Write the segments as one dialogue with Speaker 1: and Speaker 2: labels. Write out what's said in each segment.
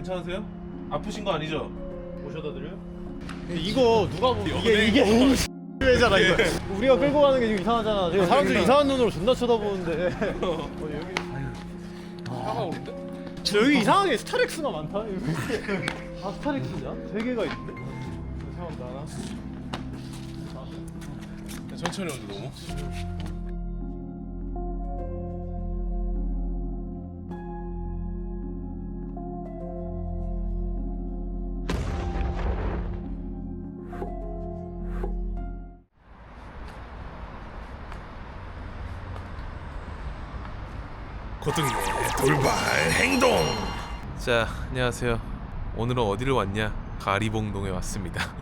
Speaker 1: 괜찮으세요? 아프신 거 아니죠?
Speaker 2: 모셔다 드려요? 이거 누가 보면 이게 왜잖아 이거. 우리가 끌고 가는 게 지금 이상하잖아. 지금 사람들이 이상한 눈으로 존나 쳐다보는데. 여기
Speaker 1: 차가 오는데?
Speaker 2: 여기 이상하게 스타렉스가 많다. 여기 다 스타렉스냐? 세 개가 있는데?
Speaker 1: 죄송합니다. 하나. 천천히 오죠 너무. 고등의 돌발 행동. 자, 안녕하세요. 오늘은 어디를 왔냐? 가리봉동에 왔습니다.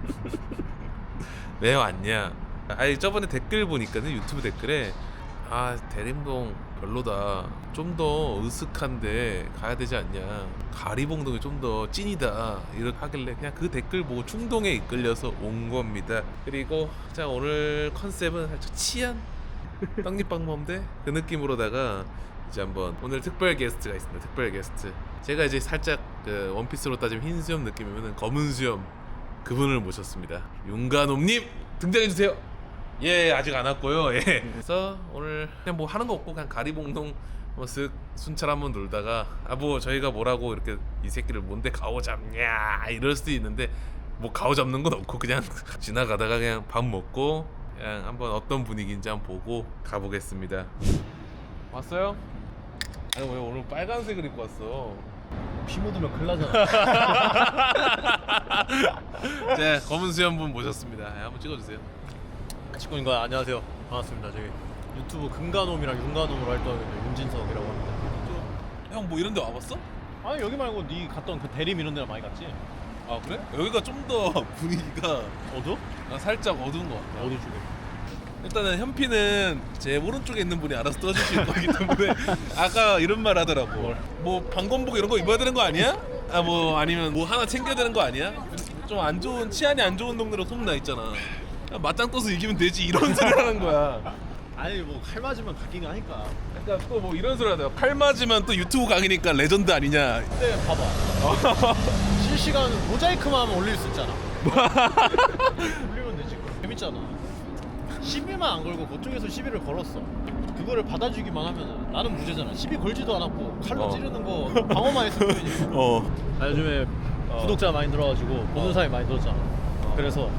Speaker 1: 왜 왔냐? 아니 저번에 댓글 보니까는 유튜브 댓글에 대림동 별로다, 좀 더 으슥한데 가야 되지 않냐, 가리봉동이 좀 더 찐이다 이렇게 하길래 그냥 그 댓글 보고 충동에 이끌려서 온 겁니다. 그리고 자, 오늘 컨셉은 살짝 치안 떡잎방범대 그 느낌으로다가 이제 한번 오늘 특별 게스트가 있습니다. 특별 게스트, 제가 이제 살짝 그 원피스로 따지면 흰 수염 느낌이면 검은 수염 그분을 모셨습니다. 윤가놈님 등장해주세요. 예, 아직 안 왔고요. 예. 그래서 오늘 그냥 뭐 하는 거 없고 그냥 가리봉동 뭐 쓱 순찰 한번 놀다가 뭐 저희가 뭐라고 이렇게 이 새끼를 뭔데 가오 잡냐 이럴 수도 있는데 뭐 가오 잡는 건 없고 그냥 지나가다가 그냥 밥 먹고 그냥 한번 어떤 분위기인지 한번 보고 가보겠습니다. 왔어요? 아니 왜 오늘 빨간색을 입고 왔어?
Speaker 2: 피 묻으면 큰일 나잖아.
Speaker 1: 자, 검은 수염분 모셨습니다. 한번 찍어주세요.
Speaker 2: 직군인가? 안녕하세요. 반갑습니다. 저기 유튜브 금가놈이랑 윤가놈으로 활동하고 있는 윤진석이라고 합니다.
Speaker 1: 형 뭐 이런 데 와봤어?
Speaker 2: 아니 여기 말고 네 갔던 그 대림 이런 데랑 많이 갔지?
Speaker 1: 아 그래? 여기가 좀 더 분위기가
Speaker 2: 어두?
Speaker 1: 살짝 어두운 것 같아.
Speaker 2: 어디 쪽에?
Speaker 1: 일단은 현피는 제 오른쪽에 있는 분이 알아서 떠주실 거기 때문에 아까 이런 말 하더라고. 뭐 방검복 이런 거 입어야 되는 거 아니야? 뭐 아니면 뭐 하나 챙겨야 되는 거 아니야? 좀 안 좋은, 치안이 안 좋은 동네로 소문나 있잖아. 맞짱 떠서 이기면 되지 이런 소리 하는 거야.
Speaker 2: 아니 뭐 칼 맞으면 각기가 하니까.
Speaker 1: 그러니까 또 뭐 이런 소리 하더라고. 칼 맞으면 또 유튜브 강의니까 레전드 아니냐.
Speaker 2: 근데 봐봐. 실시간 모자이크만 하면 올릴 수 있잖아. 올리면 되지. 재밌잖아. 시비만 안 걸고 그쪽에서 시비를 걸었어. 그거를 받아주기만 하면 나는 무죄잖아. 시비 걸지도 않았고 칼로 찌르는 거 방어만 했을 뿐이니까. 요즘에 구독자 많이 늘어가지고 보는 사람이 많이 늘었잖아. 그래서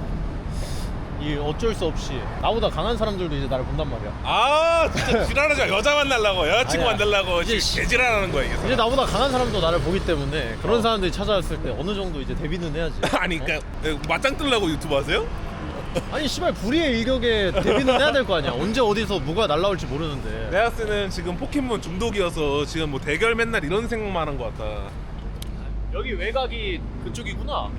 Speaker 2: 이 어쩔 수 없이 나보다 강한 사람들도 이제 나를 본단 말이야.
Speaker 1: 진짜 지랄하지 마. 여자 만나려고, 여자친구
Speaker 2: 아니야.
Speaker 1: 만나려고
Speaker 2: 이제
Speaker 1: 지금 개지랄하는 거야 이게.
Speaker 2: 이제 나보다 강한 사람도 나를 보기 때문에 그런 사람들이 찾아왔을 때 어느 정도 이제 대비는 해야지.
Speaker 1: 아니 그러니까 맞짱 뜨려고 유튜브 하세요?
Speaker 2: 아니 씨발 불의의 일격에 대비는 해야 될 거 아니야. 언제 어디서 뭐가 날라올지 모르는데.
Speaker 1: 내가 쓰는 지금 포켓몬 중독이어서 지금 뭐 대결 맨날 이런 생각만 한 것 같다.
Speaker 2: 여기 외곽이 그쪽이구나.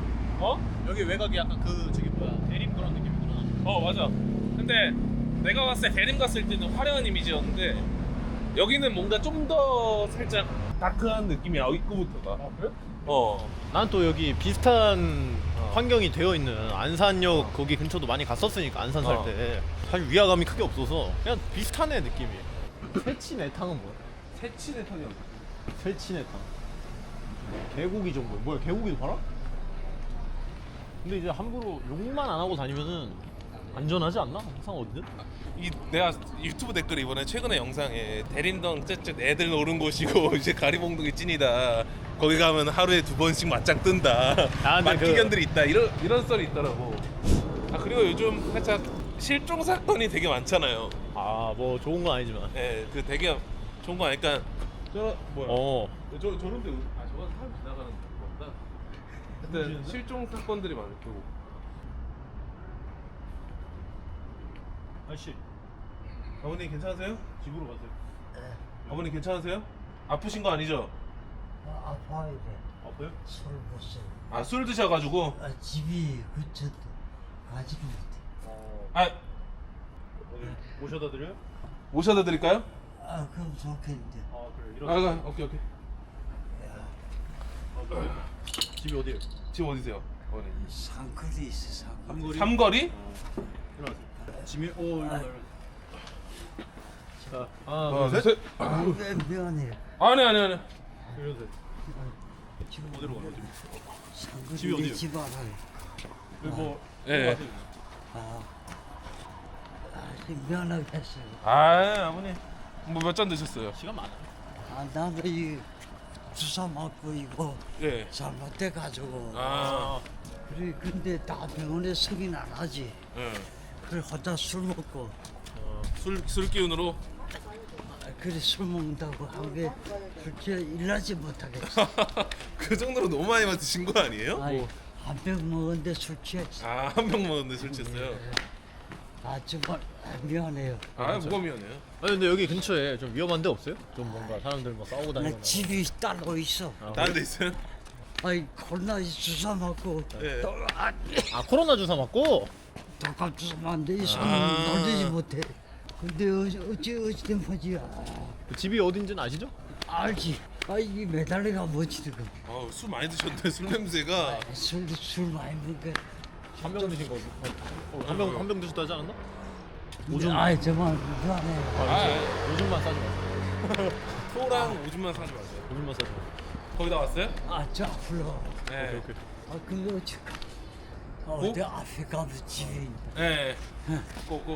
Speaker 2: 여기 외곽이 약간 그 저기 뭐야 대림 그런 느낌이구나.
Speaker 1: 맞아. 근데 내가 봤을 때 대림 갔을 때는 화려한 이미지였는데 여기는 뭔가 좀 더 살짝 다크한 느낌이야. 입구부터가.
Speaker 2: 그래?
Speaker 1: 난
Speaker 2: 난 또 여기 비슷한 환경이 되어 있는 안산역 거기 근처도 많이 갔었으니까 안산 살 때 사실 위화감이 크게 없어서 그냥 비슷하네 느낌이. 새치내탕은 뭐야?
Speaker 1: 새치내탕이 없어.
Speaker 2: 새치내탕. 개고기 정도. 뭐야 개고기도 팔아? 근데 이제 함부로 욕만 안 하고 다니면은 안전하지 않나? 항상 어디든?
Speaker 1: 내가 유튜브 댓글 이번에 최근에 영상에 대림동 쯧쯧 애들 노는 곳이고 이제 가리봉동이 찐이다. 거기 가면 하루에 2번씩 맞짱 뜬다.
Speaker 2: 근데
Speaker 1: 맞기견들이 있다. 이런 썰이 있더라고. 그리고 요즘 살짝 실종 사건이 되게 많잖아요.
Speaker 2: 뭐 좋은 건 아니지만.
Speaker 1: 예, 그 되게 좋은 거 아니까.
Speaker 2: 어.
Speaker 1: 저런데 저건 사람 지나가는 건가? 하여튼 실종 사건들이 많고.
Speaker 2: 아저씨
Speaker 1: 아버님 괜찮으세요?
Speaker 2: 집으로 가세요.
Speaker 1: 아버님 괜찮으세요? 아프신 거 아니죠?
Speaker 3: 아파야 돼.
Speaker 2: 아파요?
Speaker 3: 술 못 써.
Speaker 1: 술 드셔가지고.
Speaker 3: 집이 근처도 가지도 못해.
Speaker 2: 모셔다 드려요?
Speaker 1: 모셔다 드릴까요?
Speaker 3: 그럼 좋겠는데.
Speaker 2: 그래.
Speaker 1: 오케이.
Speaker 2: 집이 어디예요?
Speaker 1: 지금 어디세요? 아버님.
Speaker 3: 상거리 있어, 상거리.
Speaker 1: 삼거리?
Speaker 2: 일어나세요. 짐이 일어나요. 자,
Speaker 1: 셋.
Speaker 3: 왜 면해?
Speaker 1: 아니.
Speaker 2: 이러세요.
Speaker 3: 지금
Speaker 2: 어디로 가요?
Speaker 3: 상근이
Speaker 2: 집이 어디예요?
Speaker 3: 집 알아요.
Speaker 2: 여기 뭐
Speaker 1: 예.
Speaker 3: 미안하게 했어요.
Speaker 1: 아 아버님 뭐 몇 잔 드셨어요?
Speaker 2: 시간 많아.
Speaker 3: 나도 이 주사 맞고 이거
Speaker 1: 예.
Speaker 3: 잘못돼 가지고.
Speaker 1: 아.
Speaker 3: 그래 근데 다 병원에 서긴 안 하지.
Speaker 1: 예.
Speaker 3: 그래 혼자 술 먹고.
Speaker 1: 술 기운으로.
Speaker 3: 그래 술 먹는다고 한게 그렇게 일하지 못하겠어.
Speaker 1: 그 정도로 너무 많이 드신 거 아니에요?
Speaker 3: 아이 한 병 먹었는데 술 취했어.
Speaker 1: 아 한 병 먹었는데 술 취했어요?
Speaker 3: 아 정말 미안해요.
Speaker 1: 아 뭐가 미안해요?
Speaker 2: 아니 근데 여기 근처에 좀 위험한 데 없어요? 좀 뭔가 사람들 막 싸우고
Speaker 3: 나
Speaker 2: 다니거나.
Speaker 3: 집이 따로 있어.
Speaker 1: 다른 데 있어요?
Speaker 3: 아이 코로나 주사 맞고
Speaker 1: 예.
Speaker 2: 아 코로나 주사 맞고?
Speaker 3: 독감 주사 맞는데 이 손은
Speaker 1: 아.
Speaker 3: 놀리지 못해. 근데 어찌 된 거지?
Speaker 2: 그 집이 어딘지는 아시죠?
Speaker 3: 알지. 아 이게 매달려가 뭐지 지금.
Speaker 1: 술 많이 드셨는데 술 냄새가.
Speaker 3: 술 많이 먹게.
Speaker 2: 한 병 드신 거. 한병 드셨다 하지 않았나? 오줌.
Speaker 3: 아이 정말 미안해.
Speaker 2: 오줌만 싸지 마세요.
Speaker 1: 소랑 오줌만 사지 마세요.
Speaker 2: 오줌만 싸지 마세요.
Speaker 1: 거기다 왔어요?
Speaker 3: 아저 불러.
Speaker 1: 네.
Speaker 2: 오케이.
Speaker 3: 아 그거 어찌? 어디 앞에 가면 집이 있다.
Speaker 1: 네. 꼭.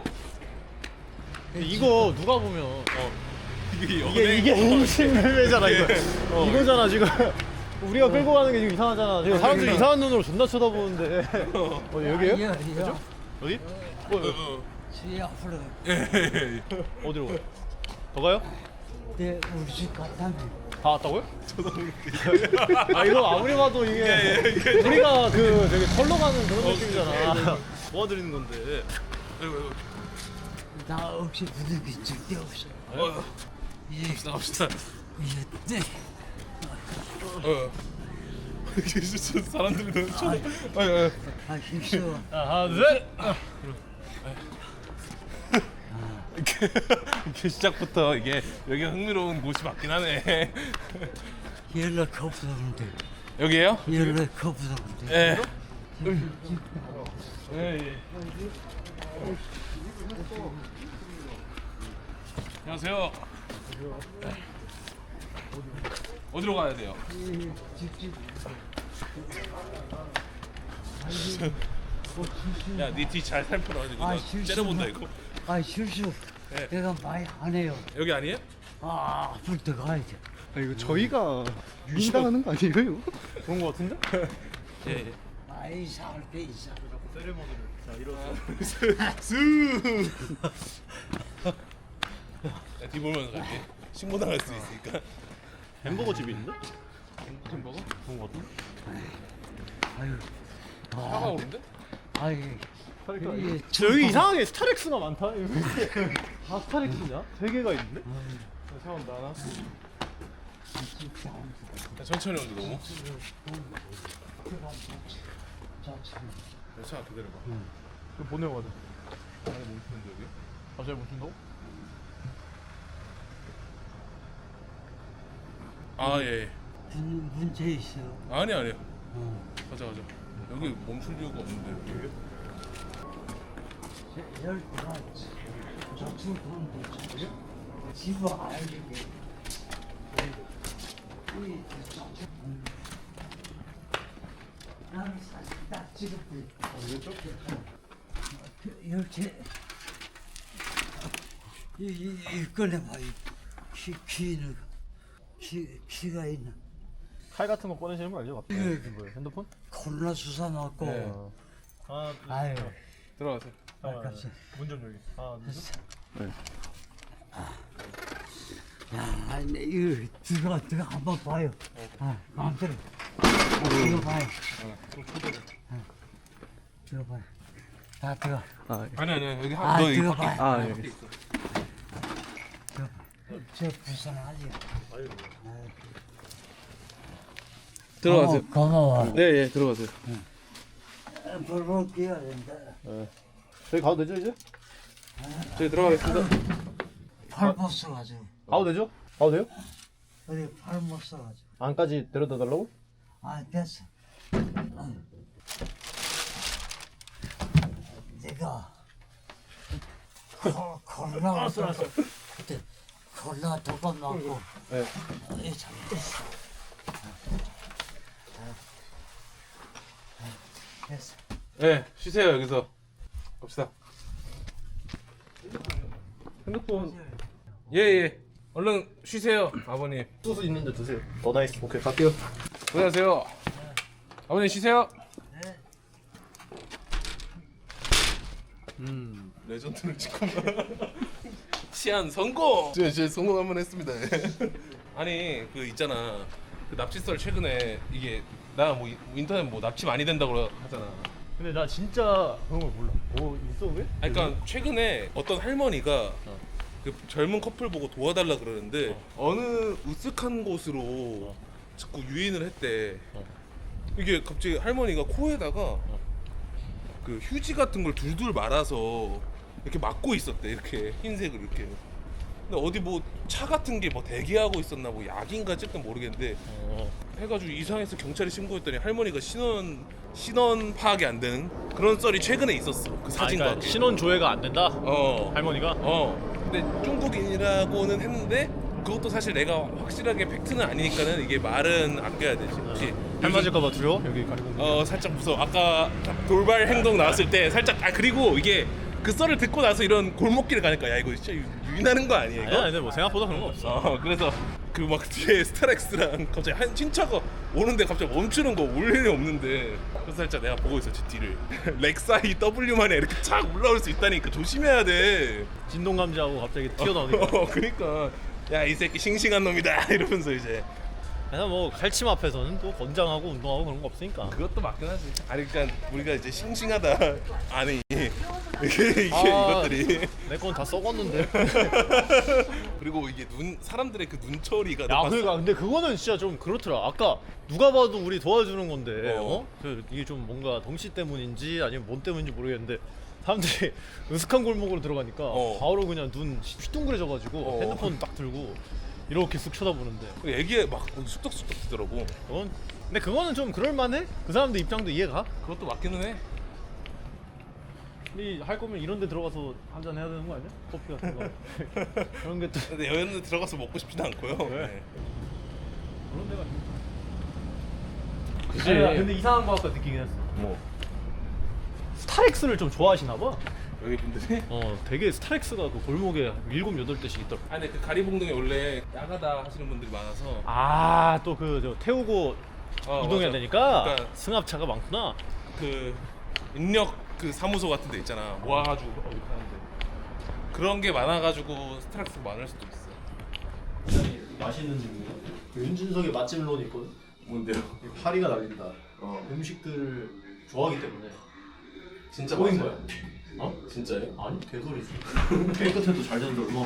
Speaker 2: 이거 누가 보면
Speaker 1: 이게
Speaker 2: 이게 음식매매잖아 이거. 이거잖아 지금. 우리가 끌고 가는 게 지금 이상하잖아. 지금 사람들이 이상한 눈으로 존나 쳐다보는데. 어디 여기에요?
Speaker 3: 야,
Speaker 2: 어디?
Speaker 3: 지 앞으로
Speaker 2: 어디로 가요? 더 가요?
Speaker 3: 내 우리 집 갔다며.
Speaker 2: 다 왔다고요? 아 이거 아무리 봐도 이게 우리가 그 되게 털러 가는 그런 느낌이잖아. 모아드리는 건데.
Speaker 3: 나 없이 부득이 절대 없어.
Speaker 1: 갑시다.
Speaker 3: 이제 네.
Speaker 1: 사람들이 너무 쳐다.
Speaker 3: 아 힘써.
Speaker 2: 하나 둘.
Speaker 1: 이게 시작부터 이게 여기가 흥미로운 곳이 맞긴 하네.
Speaker 3: 연락 없었는데.
Speaker 1: 여기에요?
Speaker 3: 연락 없었는데.
Speaker 1: 예. 예. 안녕하세요. 어디로 가야 돼요? 야, 네 뒤 잘 살펴라. 이거 나 째려본다 이거.
Speaker 3: 아 실수.
Speaker 1: 네.
Speaker 3: 내가 많이 안 해요.
Speaker 1: 여기 아니에요?
Speaker 3: 아 앞을 더 가야 돼.
Speaker 4: 아 이거 저희가 유인당하는 거 아니에요?
Speaker 2: 그런 거 같은데?
Speaker 1: 예.
Speaker 3: 아 이상할 게 있어.
Speaker 2: 세레모니를 자 이런.
Speaker 1: 야, 뒤 보면서 갈게. 신고 당할 수 있으니까.
Speaker 2: 햄버거 집이 있는데?
Speaker 1: 햄버거?
Speaker 2: 그런 거 같은데?
Speaker 3: 아유.
Speaker 1: 차가 오는데?
Speaker 3: 아이. 이게
Speaker 2: 여기 이상하게 스타렉스가 많다. 여기 다 스타렉스냐? 세 개가 있는데? 세운다 하나.
Speaker 1: 야, 천천히 오는데 너무. 차 기다려봐.
Speaker 2: 이거 보내고 가자.
Speaker 1: 안에 멈추는데 여기?
Speaker 2: 갑자기 멈춘다고?
Speaker 1: 아 예.
Speaker 3: 문제 있어.
Speaker 1: 아니요. 가자. 여기 멈출 이유가 없는데. 여기?
Speaker 3: 12가지. 저축 돈도 지 집어 알게. 나는 사실 딱 찍었대. 이렇게 이 꺼내봐. 키는 키가 있는.
Speaker 2: 칼 같은 거 꺼내시는 거 알죠?
Speaker 3: 예.
Speaker 2: 뭐예요? 핸드폰?
Speaker 3: 코로나 주사 맞고.
Speaker 1: 네.
Speaker 2: 하나 둘.
Speaker 3: 아유.
Speaker 1: 들어가세요.
Speaker 3: 아깝지.
Speaker 2: 문좀 여기. 하나 둘. 셋.
Speaker 3: 야, 이거 들어가 한번 봐요. 아, 마음대로. 이거 봐요. 이거 봐요. 다 들어가.
Speaker 1: 아니 여기
Speaker 3: 아,
Speaker 1: 너
Speaker 3: 들어가
Speaker 1: 이거
Speaker 3: 봐요.
Speaker 4: 아 예.
Speaker 3: 저 불쌍하지.
Speaker 1: 들어가세요.
Speaker 3: 고마워.
Speaker 1: 네 들어가세요.
Speaker 3: 벌벌 끼어야 된다.
Speaker 2: 저기 가도 되죠 이제?
Speaker 1: 저희 들어가겠습니다.
Speaker 3: 팔 못 써가지고.
Speaker 2: 가도 되죠? 가도 돼요?
Speaker 3: 어디 팔 못 써가지고.
Speaker 2: 안까지 데려다 달라고?
Speaker 3: 아, 됐어. 내가 코로나 왔어. 그때 코로나 독감 맞고.
Speaker 2: 네.
Speaker 3: 잘못했어. 됐어.
Speaker 1: 네, 쉬세요 여기서. 갑시다. 핸드폰. 예예. 얼른 쉬세요 아버님.
Speaker 2: 소스 있는데 드세요. 더 나이스. 오케이 갈게요.
Speaker 1: 안녕하세요. 아버님 쉬세요. 레전드를 찍고 시안 성공. 진짜 성공 한번 했습니다. 아니 그 있잖아 그 납치설 최근에 이게 나 뭐 인터넷 뭐 납치 많이 된다고 하잖아.
Speaker 2: 근데 나 진짜 그런 걸 몰라. 뭐 있어 왜?
Speaker 1: 아니, 그러니까 최근에 어떤 할머니가 그 젊은 커플 보고 도와달라 그러는데 어느 으슥한 곳으로 자꾸 유인을 했대. 이게 갑자기 할머니가 코에다가 그 휴지 같은 걸 둘둘 말아서 이렇게 막고 있었대. 이렇게 흰색을 이렇게. 근데 어디 뭐 차 같은 게 뭐 대기하고 있었나 뭐 약인가 어쨌든 모르겠는데 해가지고 이상해서 경찰에 신고했더니 할머니가 신원 파악이 안 되는 그런 썰이 최근에 있었어. 그 사진과
Speaker 2: 그러니까
Speaker 1: 함께.
Speaker 2: 신원 조회가 안 된다.
Speaker 1: 어.
Speaker 2: 할머니가.
Speaker 1: 근데 중국인이라고는 했는데 그것도 사실 내가 확실하게 팩트는 아니니까는 이게 말은 아껴야 되지. 혹시
Speaker 2: 할 맞을까봐 두려워? 여기 가리고.
Speaker 1: 살짝 무서워. 아까 돌발 행동 나왔을 때 살짝 그리고 이게 그 썰을 듣고 나서 이런 골목길을 가니까 야 이거 진짜 유인하는 거 아니야 이거?
Speaker 2: 아니야, 근데 뭐 생각보다 그런 거 없어.
Speaker 1: 그래서 그 막 뒤에 스타렉스랑 갑자기 한 신차가 오는데 갑자기 멈추는 거 올 일이 없는데 그래서 살짝 내가 보고 있었지 뒤를. 렉사이 W만에 이렇게 착 올라올 수 있다니까 조심해야 돼.
Speaker 2: 진동 감지하고 갑자기 튀어나오니까.
Speaker 1: 그러니까 야 이 새끼 싱싱한 놈이다 이러면서 이제
Speaker 2: 그래서 뭐 칼침 앞에서는 또 건장하고 운동하고 그런 거 없으니까.
Speaker 1: 그것도 맞긴 하지. 아니 그러니까 우리가 이제 싱싱하다 아니 이게 이것들이
Speaker 2: 내 건 다 썩었는데.
Speaker 1: 그리고 이게 사람들의 그 눈초리가
Speaker 2: 야,
Speaker 1: 봤어?
Speaker 2: 그러니까 근데 그거는 진짜 좀 그렇더라. 아까 누가 봐도 우리 도와주는 건데, 이게 좀 뭔가 덩치 때문인지 아니면 뭔 때문인지 모르겠는데 사람들이 으슥한 골목으로 들어가니까 바로 그냥 눈 휘둥그레져가지고 핸드폰 딱 들고 이렇게 쓱 쳐다보는데.
Speaker 1: 애기에 막 쑥덕쑥덕 뜨더라고.
Speaker 2: 근데 그거는 좀 그럴만해? 그 사람들 입장도 이해가?
Speaker 1: 그것도 맞기는 해.
Speaker 2: 근데 할 거면 이런 데 들어가서 한잔 해야 되는 거 아니야? 커피 같은 거. 그런 게 또
Speaker 1: 근데 여행을 들어가서 먹고 싶지는 않고요. 네.
Speaker 2: 그런 데가
Speaker 1: 그치.
Speaker 2: 아니, 근데 이상한 거 아까 느끼긴 했어.
Speaker 1: 뭐
Speaker 2: 스타렉스를 좀 좋아하시나 봐.
Speaker 1: 여기 분들이?
Speaker 2: 되게 스타렉스가 그 골목에 7, 8대씩 있더라고.
Speaker 1: 아니 근데 그 가리봉동에 원래 야가다 하시는 분들이 많아서
Speaker 2: 아, 또 그 저 태우고 이동해야
Speaker 1: 맞아.
Speaker 2: 되니까
Speaker 1: 그러니까
Speaker 2: 승합차가 많구나.
Speaker 1: 그 인력 그 사무소 같은 데 있잖아. 모아가지고 이렇게 하는데 그런 게 많아가지고 스트레스 많을 수도 있어.
Speaker 2: 맛있는 집이에요. 윤진석의 맛집론이 있거든.
Speaker 1: 뭔데요?
Speaker 2: 파리가 날린다. 음식들을 좋아하기 때문에
Speaker 1: 진짜
Speaker 2: 보인
Speaker 1: 맛있어요?
Speaker 2: 거야.
Speaker 1: 진짜요?
Speaker 2: 아니, 개소리지. 깨끗해도 잘 되는데 얼마나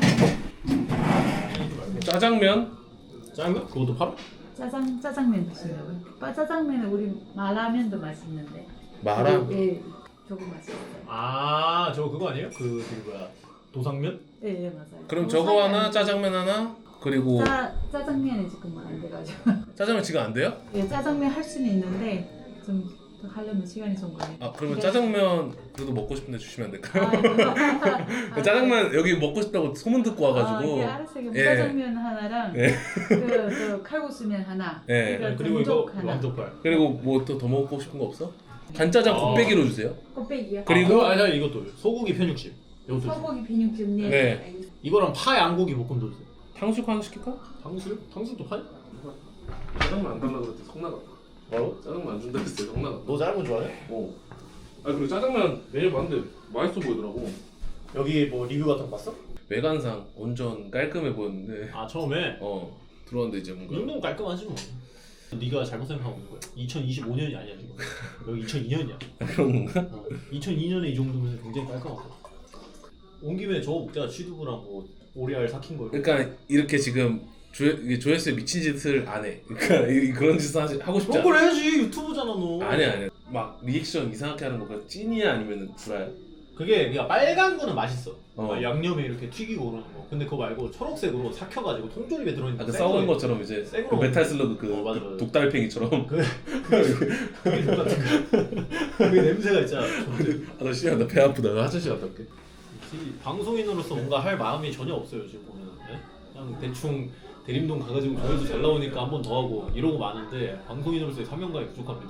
Speaker 1: 짜장면?
Speaker 2: 짜장면? 그것도 팔아?
Speaker 5: 짜장면 드시려고요? 짜장면은 우리 마라면도 맛있는데.
Speaker 1: 마라?
Speaker 5: 예, 저거 맛있어요.
Speaker 2: 아, 저거 그거 아니에요? 그 뭐야, 도상면?
Speaker 5: 예, 맞아요.
Speaker 1: 그럼 저거 하나, 짜장면 하나, 그리고
Speaker 5: 짜장면이 지금 안 돼가지고.
Speaker 1: 짜장면 지금 안 돼요?
Speaker 5: 예, 짜장면 할 수는 있는데 좀 더 하려면 시간이 좀 걸려요.
Speaker 1: 그러면
Speaker 5: 근데-
Speaker 1: 짜장면 그래도 먹고 싶은데 주시면 안 될까요?
Speaker 5: 아,
Speaker 1: 짜장면 여기 먹고 싶다고 소문 듣고 와가지고.
Speaker 5: 예, 알았어요.
Speaker 1: 예.
Speaker 5: 짜장면 하나랑
Speaker 1: 예.
Speaker 5: 그 칼국수면 하나.
Speaker 1: 예.
Speaker 5: 그러니까
Speaker 2: 그리고 이거
Speaker 5: 건족 하나.
Speaker 2: 왕족발.
Speaker 1: 그리고 뭐 또 더 먹고 싶은 거 없어? 간짜장 곱빼기로 주세요.
Speaker 5: 곱빼기요.
Speaker 1: 그리고-
Speaker 2: 아니 이것도 소고기 편육집. 이것도 주세요.
Speaker 5: 소고기 비빔집 네.
Speaker 1: 네.
Speaker 2: 이거랑 파 양고기 볶음도 주세요.
Speaker 1: 탕수육 하나 시킬까?
Speaker 2: 탕수육? 탕수육도 파냐?
Speaker 1: 짜장면 안 달라 그랬더니 성 나갔다.
Speaker 2: 뭐라고?
Speaker 1: 짜장면 안 준다 했어요. 성 나갔다.
Speaker 2: 너 짧은 거 좋아해?
Speaker 1: 그리고 짜장면 메뉴 봤는데 맛있어 보이더라고.
Speaker 2: 여기 뭐 리뷰 같은 거 봤어?
Speaker 1: 외관상 완전 깔끔해 보였는데
Speaker 2: 아, 처음에
Speaker 1: 들어왔는데 이제
Speaker 2: 이
Speaker 1: 뭔가
Speaker 2: 정도면 깔끔하지 뭐. 네가 잘못 생각하고 있는 거야. 2025년이 아니야 지금. 여기 2002년이야.
Speaker 1: 그런 건가?
Speaker 2: 2002년에 이 정도면 굉장히 깔끔하고. 온 김에 저거 먹자. 취두부랑 뭐 오리알 삭힌 거.
Speaker 1: 그러니까 이렇게 지금 조회수에 미친 짓을 안 해. 그러니까 그런 짓을 하고 싶지
Speaker 2: 그런
Speaker 1: 않아.
Speaker 2: 걸 해야지. 유튜브잖아 너.
Speaker 1: 아니야. 막 리액션 이상하게 하는 거가 찐이야 아니면 구라야?
Speaker 2: 그게 그냥 빨간 거는 맛있어.
Speaker 1: 어.
Speaker 2: 양념에 이렇게 튀기고 그러는 거. 근데 그거 말고 초록색으로 삭혀가지고 통조림에 들어있는
Speaker 1: 그
Speaker 2: 센
Speaker 1: 썩은
Speaker 2: 거.
Speaker 1: 것처럼 이제 그
Speaker 2: 생으로
Speaker 1: 메탈 슬러그 그
Speaker 2: 맞아, 맞아.
Speaker 1: 독달팽이처럼.
Speaker 2: 그게 똑같은 거. 그게 냄새가 있잖아.
Speaker 1: 나 씨야 나 배 아프다. 나 화장실 갔다 올게.
Speaker 2: 방송인으로서 뭔가 할 마음이 전혀 없어요 지금 보면. 네? 그냥 대충 대림동 가가지고 조회수 잘 나오니까 한 번 더 하고 이러고 마는데 방송인으로서의 사명감이 부족합니다.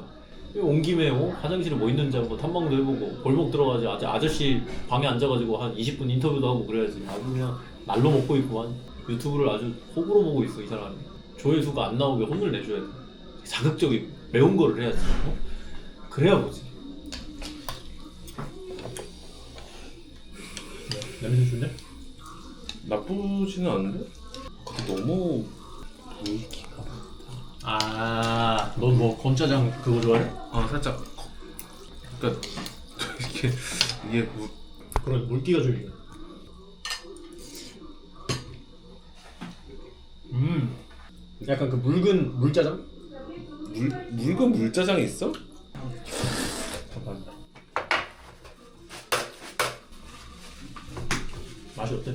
Speaker 2: 온 김에 화장실에 뭐 있는지 한번 탐방도 해보고 골목 들어가지 아저씨 방에 앉아가지고 한 20분 인터뷰도 하고 그래야지. 아주 그냥 날로 먹고 있구만. 유튜브를 아주 호불호 보고 있어 이 사람이. 조회수가 안 나오게 혼을 내줘야 돼. 자극적이고 매운 거를 해야지. 그래야 보지. 냄새 좋네?
Speaker 1: 나쁘지는 않은데? 근데 너무 물기가.
Speaker 2: 아, 넌 뭐 건짜장 그거 좋아해?
Speaker 1: 아 살짝. 그러니까 이게
Speaker 2: 그런 물기가 좀 있네. 약간 그 묽은 물짜장?
Speaker 1: 묽은 물짜장이 있어?
Speaker 2: 잠깐. 맛이 어때?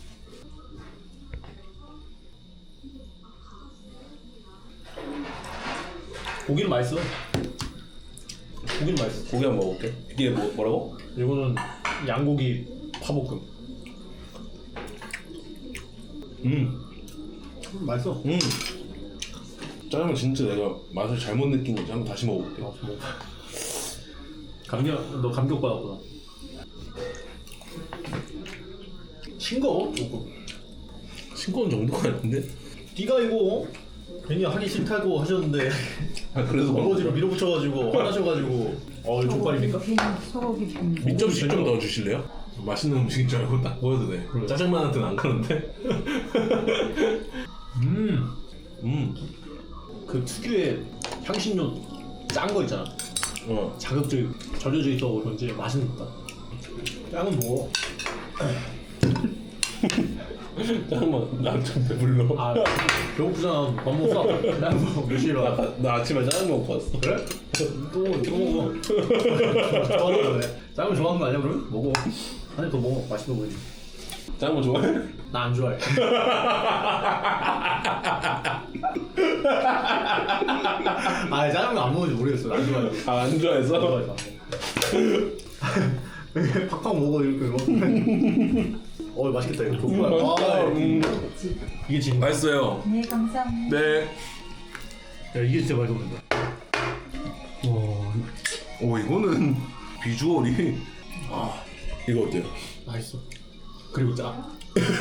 Speaker 2: 고기는 맛있어. 고기는 맛있어.
Speaker 1: 고기 한번 먹어볼게. 이게 뭐라고?
Speaker 2: 이거는 양고기 파볶음. 맛있어.
Speaker 1: 짜장면 진짜 내가 맛을 잘못 느낀 건지 한번 다시 먹어볼게.
Speaker 2: 너 감격 받았구나. 싱거워 조금.
Speaker 1: 싱거운 정도가 아닌데?
Speaker 2: 네가 이거 괜히 하기 싫다고 하셨는데
Speaker 1: 아 그래서
Speaker 2: 어거지로 밀어붙여가지고 화나셔가지고 이거 족발입니까?
Speaker 5: 소고기 빈.
Speaker 1: 밑접시 좀 더 주실래요? 맛있는 음식인 줄 알고 딱 보여도 돼.
Speaker 2: 그래.
Speaker 1: 짜장면한테는 안 가는데?
Speaker 2: 그 특유의 향신료 짠 거 있잖아. 자극적이고 절여져 있다고 그런지 맛은 있다. 짱은 뭐?
Speaker 1: 짜장면 나 좀 배불러.
Speaker 2: 아 배고프잖아. 밥 먹었어? 몇 시에 일어나?
Speaker 1: 나 아침에 짜장면 먹고 왔어.
Speaker 2: 그래? 또 먹어. 좋아하는 거네. 짜장면 좋아하는 거 아니야 그러면? 먹어. 한 입 더 먹어. 맛있어 보이지.
Speaker 1: 짜장면 좋아해?
Speaker 2: 나 안 좋아해. 아 짜장면 안 먹는지 모르겠어. 안 좋아해.
Speaker 1: 아 안 좋아해서?
Speaker 2: 안 좋아해서. 팍팍 먹어 이렇게 먹어. 맛있겠다 이거. 족발. 이게 진짜.
Speaker 1: 맛있어요.
Speaker 5: 네, 감사합니다.
Speaker 1: 네.
Speaker 2: 야 이게 진짜 맛있어 보인다.
Speaker 1: 오 이거는 비주얼이 이거 어때요?
Speaker 2: 맛있어. 그리고 짜.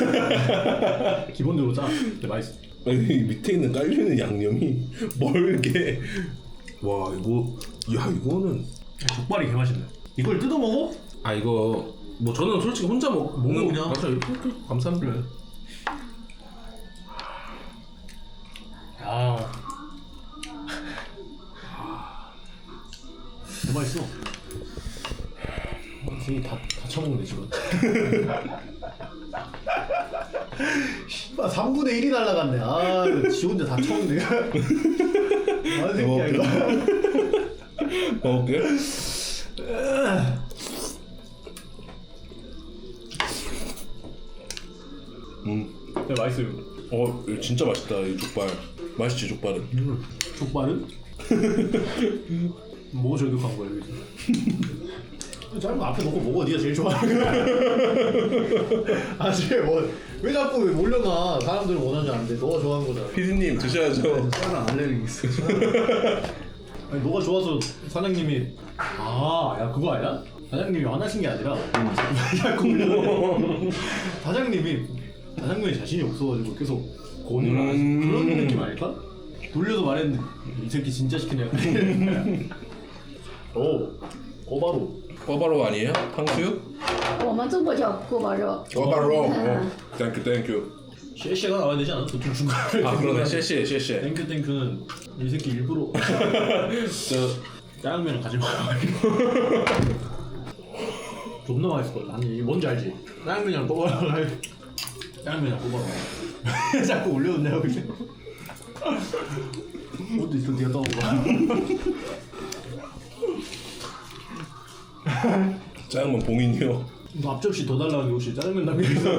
Speaker 2: 기본적으로 짜. 근데 맛있어.
Speaker 1: 아니 밑에 있는 깔려있는 양념이 멀게. 와 이거 이거는
Speaker 2: 족발이 개 맛있네. 이걸 뜯어 먹어?
Speaker 1: 아 이거 뭐 저는 솔직히 혼자 먹는
Speaker 2: 그냥?
Speaker 1: 맞아 이렇게 감사합니다.
Speaker 2: 야. 너무 맛있어. 지금 다 처먹네 지금. 씨발 3분의 1이 날라갔네. 아, 지 혼자 다 처먹네. 아, 새끼야 이거.
Speaker 1: 먹을게.
Speaker 2: 네, 맛있어요.
Speaker 1: 이거 진짜 맛있다 이 족발. 맛있지 족발은.
Speaker 2: 족발은? 뭐가 저격한 거야 여기서? 짧은 거 앞에 놓고 먹어. 네가 제일 좋아하는 거. 아직 왜 자꾸 몰려가. 사람들은 원하지 않는데 너가 좋아하는 거잖아.
Speaker 1: 피디님 드셔야죠.
Speaker 4: 짜장 알레르기 있어.
Speaker 2: 아니 너가 좋아서 사장님이 야 그거 아니야? 사장님이 화나신 게 아니라 자꾸 올려. 사장님이 자신이 없어가지고 계속 권유를 하시는 그런 느낌 아닐까? 돌려서 말했는데 이 새끼 진짜 시키네. 꼬바로.
Speaker 1: 꼬바로 아니에요? 탕수육?
Speaker 6: 我们中国叫锅包肉。
Speaker 1: 꼬바로. 땡큐 땡큐.
Speaker 2: 쉐쉐가 나와야 되지 않아? 보통 중간에.
Speaker 1: 아 그러네. 쉐쉐.
Speaker 2: 땡큐는 이 새끼 일부러 짜장면을 가지고 존나 맛있을 것 같아. 아니 뭔지 알지? 짜장면이랑 꼬바로. 짜장면이랑 꼬바로. 자꾸 올려놓냐고 이제. 어디 있어? 네가 떠먹어.
Speaker 1: 짜장면 봉인이요.
Speaker 2: 너 앞접시 더 달라는 게 혹시 짜장면 담겨 있어?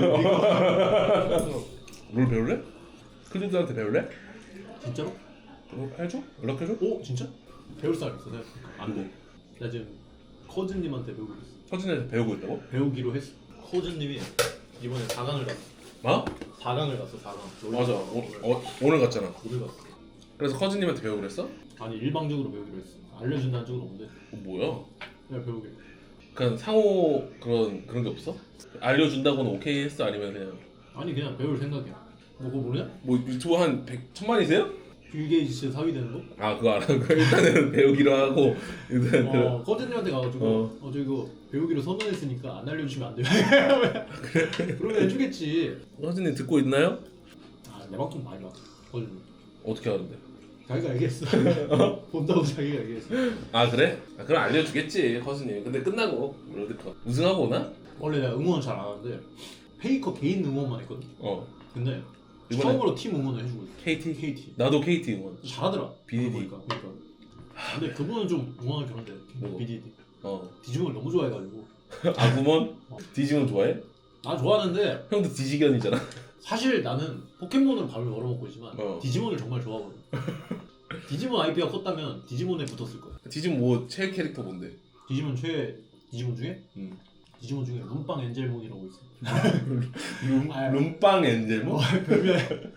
Speaker 1: 뭘 배울래? 클리드한테 배울래?
Speaker 2: 진짜로?
Speaker 1: 해줘? 연락해줘?
Speaker 2: 오 진짜? 배울 사람 있어? 내가 안 돼. 나 지금 커즈님한테 배우고 있어.
Speaker 1: 서진에서 배우고 있다고?
Speaker 2: 배우기로 했어. 커즈님이 이번에 4강을 갔어.
Speaker 1: 뭐?
Speaker 2: 4강을 갔어. 4강.
Speaker 1: 맞아. 오늘 갔잖아.
Speaker 2: 오늘 갔어.
Speaker 1: 그래서 커즈님한테 배우고 그랬어?
Speaker 2: 아니 일방적으로 배우기로 했어. 알려준다는 쪽은 없는데
Speaker 1: 뭐야?
Speaker 2: 그냥 배우기로.
Speaker 1: 그냥 상호 그런 게 없어? 알려준다고는 오케이 했어? 아니면 그냥
Speaker 2: 아니 그냥 배울 생각이야. 뭐 그거 모르냐?
Speaker 1: 뭐 유튜브 한 100,000만이세요?
Speaker 2: 빌 게이츠 사위 되는 거?
Speaker 1: 아 그거 알아. 일단은 배우기로 하고 일단
Speaker 2: 커튼님한테 가가지고 저 이거 배우기로 선언했으니까 안 알려주시면 안 돼요. 그러면 해주겠지.
Speaker 1: 허진님 듣고 있나요?
Speaker 2: 내 방송 많이 봐. 커튼님.
Speaker 1: 어떻게 하는데?
Speaker 2: 자기가 얘기했어. 본다고 자기가 얘기했어.
Speaker 1: 아 그래? 아, 그럼 알려주겠지 허진님. 근데 끝나고 롤드컵 우승하고 오나?
Speaker 2: 원래 내가 응원 잘 안 하는데 페이커 개인 응원만 했거든. 근데
Speaker 1: 이번에-
Speaker 2: 처음으로 팀 응원을 해주고 있어.
Speaker 1: KT? 나도 KT 응원.
Speaker 2: 잘하더라.
Speaker 1: BDD.
Speaker 2: 그러니까. 근데 그분은 좀 응원하기 그런데
Speaker 1: 뭐?
Speaker 2: BDD.
Speaker 1: 어.
Speaker 2: 디지몬을 너무 좋아해가지고.
Speaker 1: 아구먼? 디지몬 좋아해?
Speaker 2: 나 좋아하는데
Speaker 1: 형도 디지견이잖아.
Speaker 2: 사실 나는 포켓몬으로 밥을 벌어먹고 있지만 디지몬을 정말 좋아하거든. 디지몬 IP가 컸다면 디지몬에 붙었을 거야.
Speaker 1: 디지몬 뭐 최애 캐릭터 뭔데?
Speaker 2: 디지몬 디지몬 중에?
Speaker 1: 응.
Speaker 2: 디지몬 중에 룸빵 엔젤몬이라고 있어.
Speaker 1: 룸빵 엔젤몬?
Speaker 2: 별명.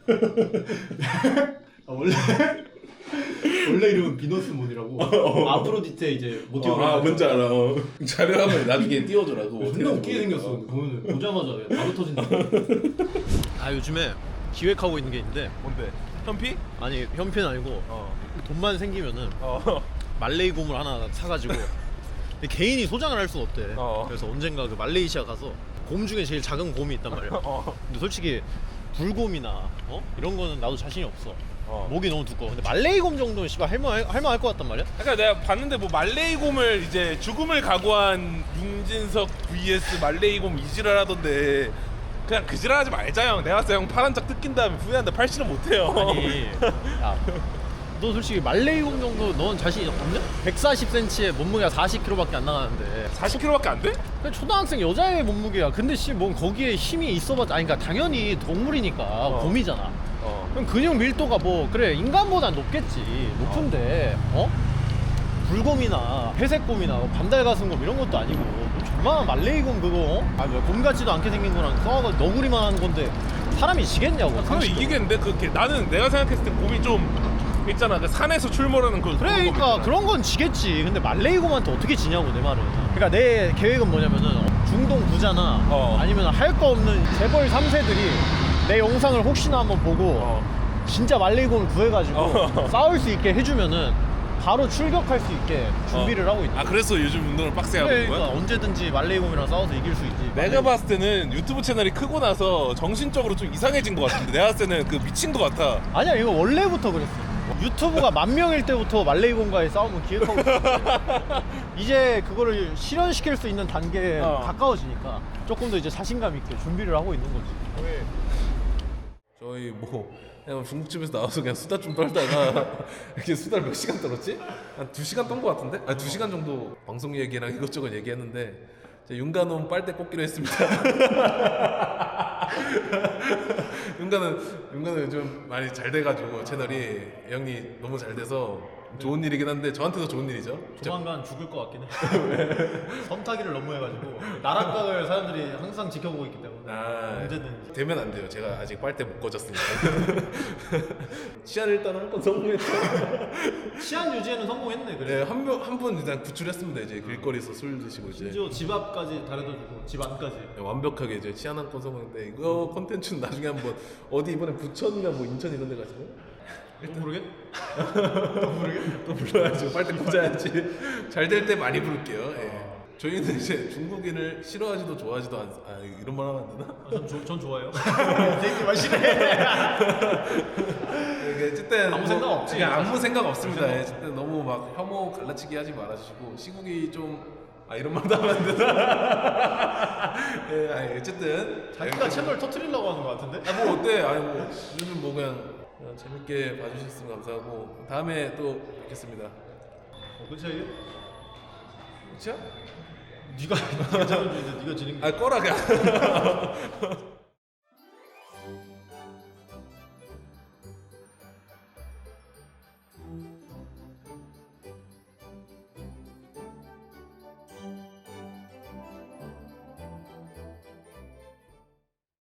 Speaker 2: 원래 이름은 비너스몬이라고. 아프로디테 이제 모티브로.
Speaker 1: 뭔지 알아. 자료 한번 나중에 띄워줘라. 그거
Speaker 2: 존나 웃기게 생겼어. 보면은 보자마자 그냥 바로 터진다. 요즘에 기획하고 있는 게 있는데.
Speaker 1: 뭔데? 현피?
Speaker 2: 아니 현피는 아니고 돈만 생기면은 말레이 곰을 하나 사가지고 근데 개인이 소장을 할 수가 없대. 그래서 언젠가 그 말레이시아 가서 곰 중에 제일 작은 곰이 있단 말이야. 근데 솔직히 불곰이나 이런 거는 나도 자신이 없어. 목이 너무 두꺼워. 근데 말레이 곰 정도는 씨발 할만할 것 같단 말이야.
Speaker 7: 그러니까 내가 봤는데 뭐 말레이곰을 이제 죽음을 각오한 윤진석 vs 말레이곰 이지랄 하던데 그냥 그 지랄하지 말자 형. 내가 봤을 때 형 파란 짝 뜯긴 다음에 후회한다 팔씨름 못해요.
Speaker 2: 아니, 야, 너 솔직히 말레이곰 정도 넌 자신 없냐? 140cm에 몸무게가 40kg밖에 안 나가는데
Speaker 7: 40kg밖에 안 돼?
Speaker 2: 그냥 초등학생 여자의 몸무게야. 근데 뭔 거기에 힘이 있어봤자 아니 그러니까 당연히 동물이니까 곰이잖아. 그럼 근육 밀도가 뭐 그래 인간보단 높겠지. 높은데 불곰이나 회색곰이나 반달가슴곰 이런 것도 아니고 뭐 조만한 말레이곰 그거 곰 같지도 않게 생긴 거랑 싸워가지고 너구리만 하는 건데 사람이 지겠냐고.
Speaker 7: 그럼
Speaker 2: 상식적으로.
Speaker 7: 이기겠는데? 나는 내가 생각했을 때 곰이 좀 있잖아. 그 산에서 출몰하는 그
Speaker 2: 그러니까 그런 건 지겠지. 근데 말레이곰한테 어떻게 지냐고 내 말은. 그러니까 내 계획은 뭐냐면은 중동 부자나 아니면 할 거 없는 재벌 3세들이 내 영상을 혹시나 한번 보고 진짜 말레이곰을 구해가지고 싸울 수 있게 해주면은 바로 출격할 수 있게 준비를 하고 있는.
Speaker 7: 그래서 요즘 운동을 빡세게 하고 있는
Speaker 2: 그러니까
Speaker 7: 거야?
Speaker 2: 언제든지 말레이곰이랑 싸워서 이길 수 있지.
Speaker 7: 내가 봤을 때는 유튜브 채널이 크고 나서 정신적으로 좀 이상해진 것 같은데 내가 봤을 때는 그 미친 것 같아.
Speaker 2: 아니야 이거 원래부터 그랬어. 유튜브가 10,000명일 때부터 말레이곰과의 싸움을 기획하고 있었는데 이제 그거를 실현시킬 수 있는 단계에 가까워지니까 조금 더 이제 자신감 있게 준비를 하고 있는 거지.
Speaker 1: 저희 뭐 그냥 중국집에서 나와서 그냥 수다 좀 떨다가 이렇게 수다를 몇 시간 떨었지? 한 2시간 떤 것 같은데? 2시간 정도 방송 얘기랑 이것저것 얘기했는데 이제 윤가놈 빨대 꽂기로 했습니다. 윤가는 요즘 많이 잘 돼가지고 채널이 형이 너무 잘 돼서 좋은 일이긴 한데 저한테도 좋은 일이죠.
Speaker 2: 조만간 죽을 것 같긴 해. 섬타기를 너무 해가지고 나락각을 사람들이 항상 지켜보고 있기 때문에 언제든
Speaker 1: 되면 안 돼요. 제가 아직 빨대 못 꽂았으니까. 치안 일단 한 번 성공했죠.
Speaker 2: 치안 유지에는 성공했네. 그래.
Speaker 1: 네, 한 분 일단 구출했습니다. 이제 길거리에서 술 드시고 이제
Speaker 2: 심지어 집 앞까지 다려다주고 집 안까지.
Speaker 1: 완벽하게 이제 치안 한 건 성공했는데 이거 콘텐츠는 나중에 한번 어디 이번에 부천이나 뭐 인천 이런 데 가시면
Speaker 2: 또 모르겠?
Speaker 1: 또 불러야죠. 빨대 꽂아야지. 잘 될 때 많이 부를게요. 예. 저희는 이제 중국인을 싫어하지도 좋아하지도 이런 말 하면 안 되나?
Speaker 2: 전 좋아해요. 되게 맛있네.
Speaker 1: 어쨌든
Speaker 2: 아무 생각 없지.
Speaker 1: 그냥 아무 생각 없습니다. 예, 어쨌든 너무 막 혐오 갈라치기 하지 말아주시고 시국이 좀 이런 말도 하면 안 되나? 예, 어쨌든
Speaker 2: 자기가 채널 터트리려고 하는 것 같은데?
Speaker 1: 뭐 어때? 뭐 요즘 뭐 그냥 재밌게 봐주셨으면 감사하고 다음에 또 뵙겠습니다.
Speaker 2: 그치 이게?
Speaker 1: 그쵸?
Speaker 2: 네가 잘해주는데 네가 지는 게.
Speaker 1: 꺼라 그냥.